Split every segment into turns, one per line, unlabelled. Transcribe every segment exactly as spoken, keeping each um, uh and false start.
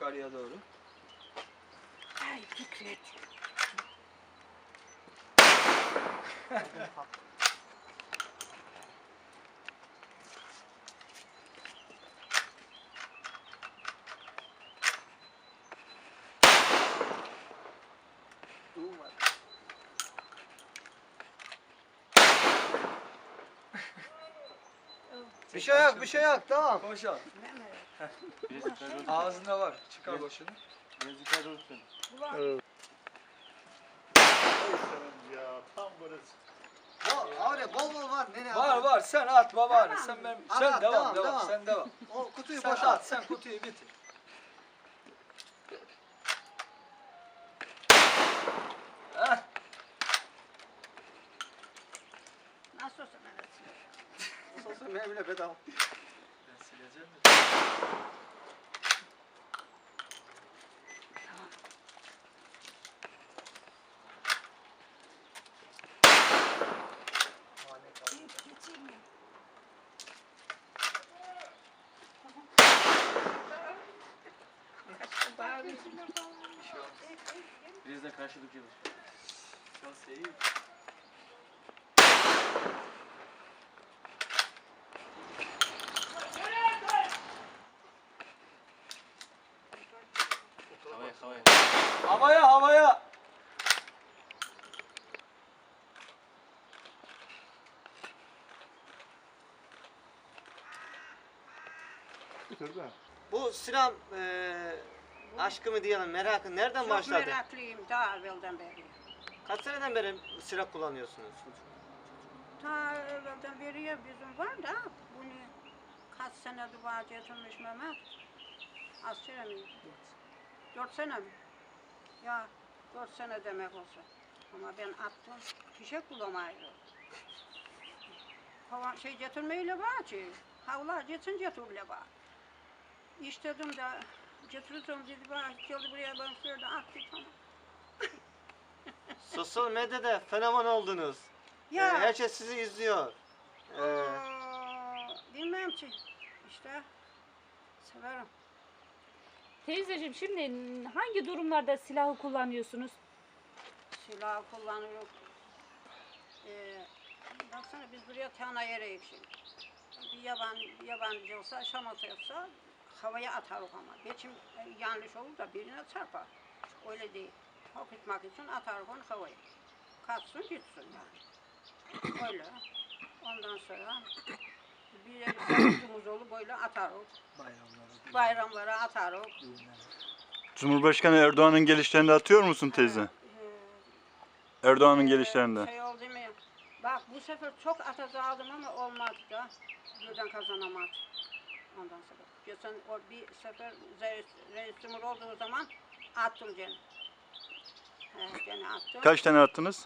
yukarıya doğru.
Ay Fikret.
Bir şey yok, bir şey yok, tamam.
Koş al. Ağzında var. Çıkar başını.
Yazıklar olsun. Ya tam burası.
Bol, abi bol bol var. Nereye
Var
atayım?
var. Sen atma bari. Sen benim.
At,
Sen
at,
devam
devam,
devam.
devam.
Sen devam.
O kutuyu
Sen
boşalt.
at. Sen kutuyu bitir. Heh.
Nasıl olsa ben atayım.
Sosyal medya bile bedava.
Ben sileceğim de.
Geçeyim mi? Bağırıyor.
Bir şey olmaz.
Biz de karşılık yiyoruz.
Şans iyi.
Havaya havaya.
Havaya havaya.
Bu silah eee aşkımı diyelim, merakı nereden
Çok
başladı?
meraklıyım daha evvelden beri.
Kaç seneden beri silah kullanıyorsunuz?
Ta evvelden beri ya bizim var da bunu kaç senedir var getirmiş Mehmet. Az sene miydi? Dört sene mi? Ya dört sene demek olsa. Ama ben attım, fişek bulamaydım. Hava şey getirmeyle var ki, havlar geçsin getirle var. İstedim de getirdim dedi bana, geldi buraya ben şöyle attı tamam.
Sosyal medyada fenomen oldunuz.
Ya.
Eee, herkes sizi izliyor. Eee,
Aa, bilmem ki, işte severim.
Teyzeciğim şimdi hangi durumlarda silahı kullanıyorsunuz?
Silah kullanıyoruz. Ee, baksana biz buraya tane yere şimdi. Bir yaban, bir yabancı olsa, şamata yapsa havaya atarız ama. Geçim e, yanlış olur da birine çarpar. Öyle değil. Korkutmak için atarız onu havaya. Kaçsın gitsin yani. Öyle. Ondan sonra bir yere savucumuz olur böyle atarız.
Bayramları.
Bayramlara atarız.
Düğünler.
Cumhurbaşkanı Erdoğan'ın gelişlerinde atıyor musun teyze?
Ee,
Erdoğan'ın
Ee,
gelişlerinde.
Şey oldu mu? Bak bu sefer çok atacaktım ama olmadı da. Birden kazanamadım. Ondan sonra. Geçen o bir sefer reis, reis cumhur olduğu zaman attım gene. He, gene attım.
Kaç tane attınız?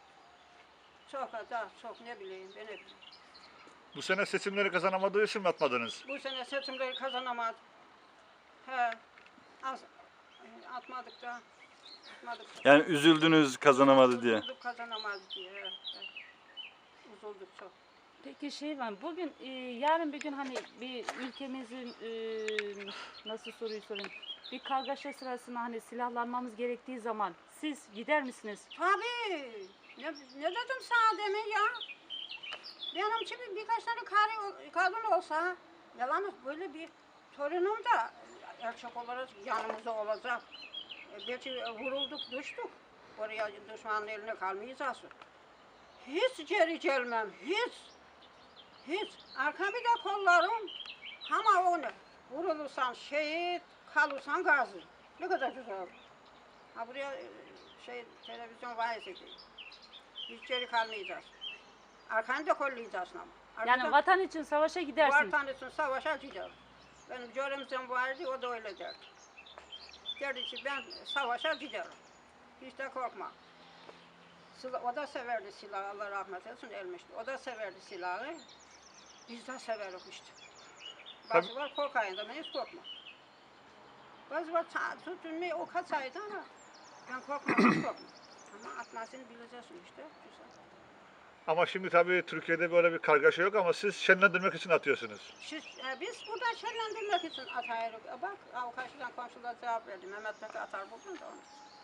Çok da çok ne bileyim ben ne bileyim.
Bu sene seçimleri kazanamadığı için mi atmadınız?
Bu sene seçimleri kazanamadım. He. Az, atmadık da. Atmadık da.
Yani üzüldünüz kazanamadı diye.
Üzüldük kazanamadı diye. He, he. Üzüldük çok.
Peki şey var, bugün e, yarın bir gün hani bir ülkemizin e, nasıl soruyu sorayım, bir kargaşa sırasında hani silahlanmamız gerektiği zaman siz gider misiniz?
Tabii. Ne, ne dedim sana demin ya? Benim için birkaç tane karı, kadın olsa, yalan böyle bir torunum da erkek olarak yanımızda olacak. E, belki vurulduk, düştük. Oraya düşmanın eline kalmayacağız. Hiç geri gelmem, hiç. Hiç. Arkamı da kollarım. Ama onu vurulursan şehit, kalırsan gazi. Ne kadar güzel. Ha buraya e, şey televizyon vaiz ediyor. Hiç geri kalmayacağız. Arkanı da kollayacaksın ama.
Yani
Arkadan-
vatan için savaşa gidersiniz.
Vatan için savaşa giderim. Benim görümcem vardı, o da öyle derdi. Derdi ki ben savaşa giderim. Hiç de korkma. Sila- O da severdi silahı, Allah rahmet etsin ölmüştü. O da severdi silahı. Biz de severiz işte. Bazı var korkayın da ben hiç korkma. Bazı var ta- tutun o kaçaydı ama ben korkmam, hiç korkma. Ama atmasını bileceksin işte. Güzel.
Ama şimdi tabii Türkiye'de böyle bir kargaşa yok ama siz şenlendirmek için atıyorsunuz.
Şu, e, biz buradan şenlendirmek için atıyoruz. E, bak, o karşıdan komşular cevap verdi. Mehmet Bey atar bugün de onu.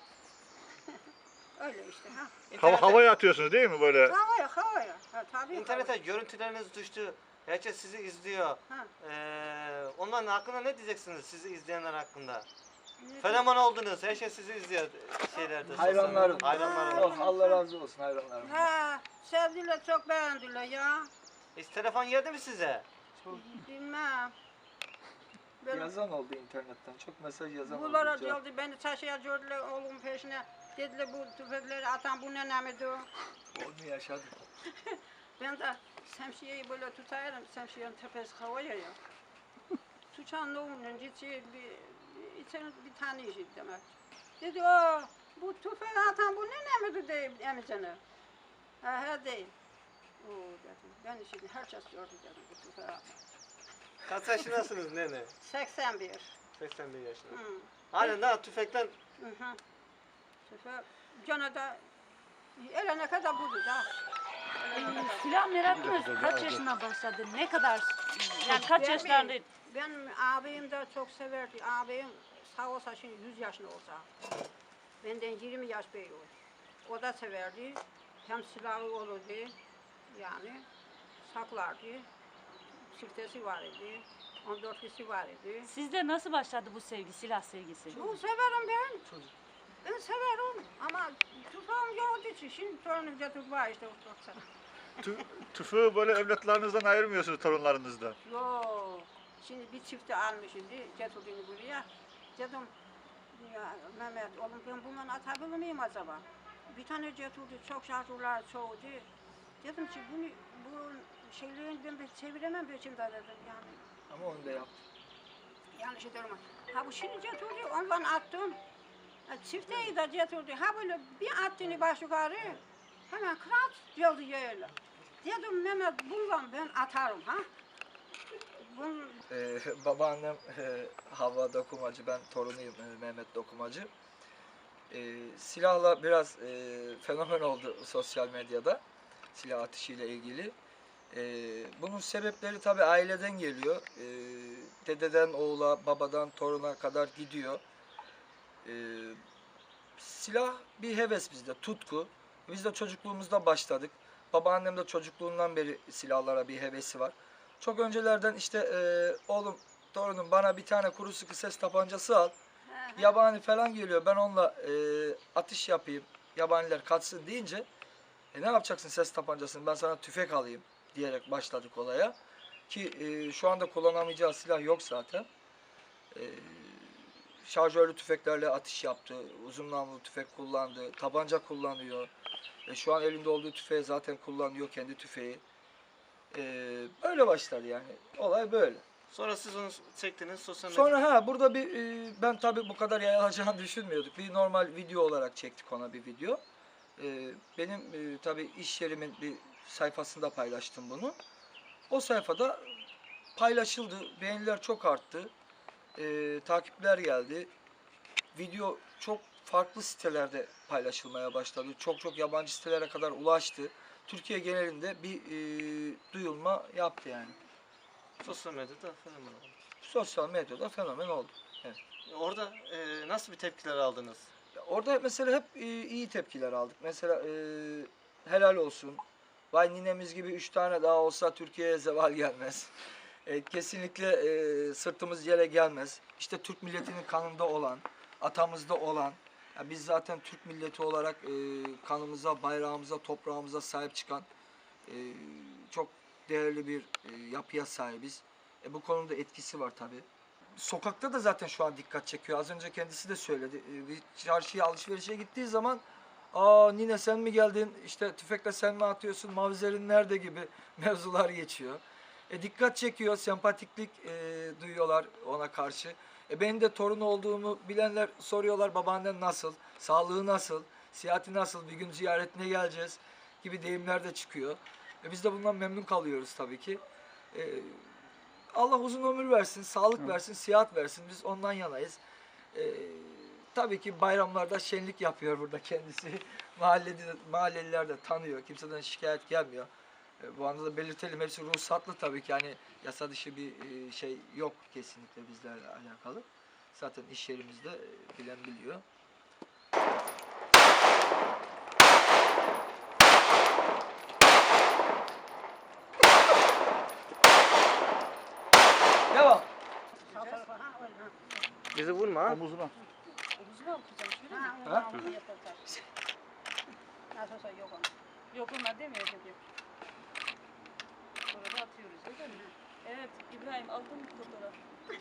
Öyle işte ha.
Hava,
İnternete,
havaya atıyorsunuz değil mi böyle?
Havaya, havaya. Ha, tabii
internete
havaya.
görüntüleriniz düştü. Herkes sizi izliyor.
Ha.
Ee, onların hakkında ne diyeceksiniz sizi izleyenler hakkında?
Ne-
Fenomen oldunuz. Herkes sizi izliyor şeylerde. sosyal
Hayranlarım.
medyada. Hayranlarım.
Ha.
Oh, Allah razı olsun hayranlarım.
Ha, sevdiler, çok beğendiler ya.
Hiç telefon geldi mi size?
Bilmem. Ben
Yazan oldu internetten. Çok mesaj yazan oldu.
bunlara
Cevap-
geldi, beni taşıya gördüler oğlumun peşine. Dediler bu tüfekleri atan bu nenemidir.
Onu yaşadım.
Ben de şemsiyeyi böyle tutarım, şemsiyenin tepesi havaya ya. Tutan oğlunun gideceği bir, bir, içeri bir tane işit demek. Dedi o, bu tüfeği atan bu nenemidir deyip emicene. Ha, he değil. Oo dedim, ben şimdi herkes gördü dedim bu tüfeği atan.
Kaç yaşındasınız nene?
seksen bir.
seksen bir yaşında.
Hı.
Halen daha tüfekten
Hı hı. Tüfeği, gene de elene kadar budur da. Elene kadar.
Silah merakınız kaç yaşına başladı? Ne kadar? Yani kaç
Ben
yaşlarında?
mi? Benim abim de çok severdi. Abim sağ olsa şimdi yüz yaşında olsa. Benden yirmi yaş büyük. O da severdi. Hem silahı olurdu. Yani saklardı. Çiftesi var idi. on dört kişi var idi.
Sizde nasıl başladı bu sevgi, silah sevgisi?
Çok severim ben. Ben severim ama tufağım yoktu için. Şimdi torunum getirip var işte.
Tü, tüfeği böyle evlatlarınızdan ayırmıyorsunuz, torunlarınızdan.
Yok. Şimdi bir çifti almış şimdi getirdiğini buraya. Dedim ya Mehmet oğlum ben bundan atabilir miyim acaba? Bir tane getirdi çok şarjörler çoğuldu. Dedim ki bunu bu şeylerin ben de çeviremem peşimde dedim yani.
Ama onu da yaptım.
Yanlış ediyorum. Ha bu şimdi getirdi ondan attım. Ha, çifteyi de getirdi. Ha böyle bir attığını baş yukarı. Hemen kırat geldi yerle. Dedim Mehmet bundan ben atarım ha. Bunun
Ee, babaannem e, Havva Dokumacı, ben torunuyum e, Mehmet Dokumacı. Ee, silahla biraz e, fenomen oldu sosyal medyada, silah atışıyla ilgili. Ee, bunun sebepleri tabii aileden geliyor. Ee, dededen oğula, babadan toruna kadar gidiyor. Ee, silah bir heves bizde, tutku. Biz de çocukluğumuzda başladık. Babaannem de çocukluğundan beri silahlara bir hevesi var. Çok öncelerden işte e, oğlum, torunum bana bir tane kuru sıkı ses tabancası al. Yabani falan geliyor, ben onunla e, atış yapayım, yabaniler kaçsın deyince e, ne yapacaksın ses tabancasını, ben sana tüfek alayım diyerek başladık olaya. Ki e, şu anda kullanamayacağı silah yok zaten. E, şarjörlü tüfeklerle atış yaptı, uzun namlulu tüfek kullandı, tabanca kullanıyor. E, şu an elinde olduğu tüfeği zaten kullanıyor, kendi tüfeği. E, böyle başladı yani, olay böyle.
sonra siz onu çektiniz sosyal medyada.
Sonra ha burada bir e, ben tabii bu kadar yayılacağını düşünmüyorduk. Bir normal video olarak çektik ona bir video. E, benim e, tabii iş yerimin bir sayfasında paylaştım bunu. O sayfada paylaşıldı. Beğeniler çok arttı. E, takipler geldi. Video çok farklı sitelerde paylaşılmaya başladı. Çok çok yabancı sitelere kadar ulaştı. Türkiye genelinde bir e, duyulma yaptı yani.
Sosyal medyada fenomen oldu.
Sosyal medyada fenomen oldu.
Orada e, nasıl bir tepkiler aldınız?
Orada mesela hep e, iyi tepkiler aldık. Mesela e, helal olsun. Vay ninemiz gibi üç tane daha olsa Türkiye'ye zeval gelmez. E, kesinlikle e, sırtımız yere gelmez. İşte Türk milletinin kanında olan, atamızda olan, ya biz zaten Türk milleti olarak e, kanımıza, bayrağımıza, toprağımıza sahip çıkan e, çok değerli bir e, yapıya sahibiz. E, bu konuda etkisi var tabii. Sokakta da zaten şu an dikkat çekiyor. Az önce kendisi de söyledi. E, Bir çarşıya, alışverişe gittiği zaman aa nine sen mi geldin, işte tüfekle sen mi atıyorsun, mavzerin nerede gibi mevzular geçiyor. E, dikkat çekiyor, sempatiklik e, duyuyorlar ona karşı. E, benim de torun olduğumu bilenler soruyorlar, babaannen nasıl, sağlığı nasıl, sihati nasıl, bir gün ziyaretine geleceğiz gibi deyimler de çıkıyor. E, biz de bundan memnun kalıyoruz tabii ki. E, Allah uzun ömür versin, sağlık versin, sıhhat versin. Biz ondan yanayız. Ee, tabii ki bayramlarda şenlik yapıyor burada kendisi. Mahallede, mahalleliler de tanıyor. Kimseden şikayet gelmiyor. E, bu anda da belirtelim, hepsi ruhsatlı tabii ki. Yani yasa dışı bir e, şey yok kesinlikle bizlerle alakalı. Zaten iş yerimizde e, bilen biliyor. Devam.
Sağ tarafa, ha, öyle, ha.
Bizi vurma ha.
Omuzuna.
Omuzuna atacağım şöyle mi?
Ha, onu
Ha?
onu yapacak. Nasıl olsa yok onun.
Yok onlar demiyor dedi. Sonra da atıyoruz öyle mi? Evet İbrahim aldın mı fotoğraf?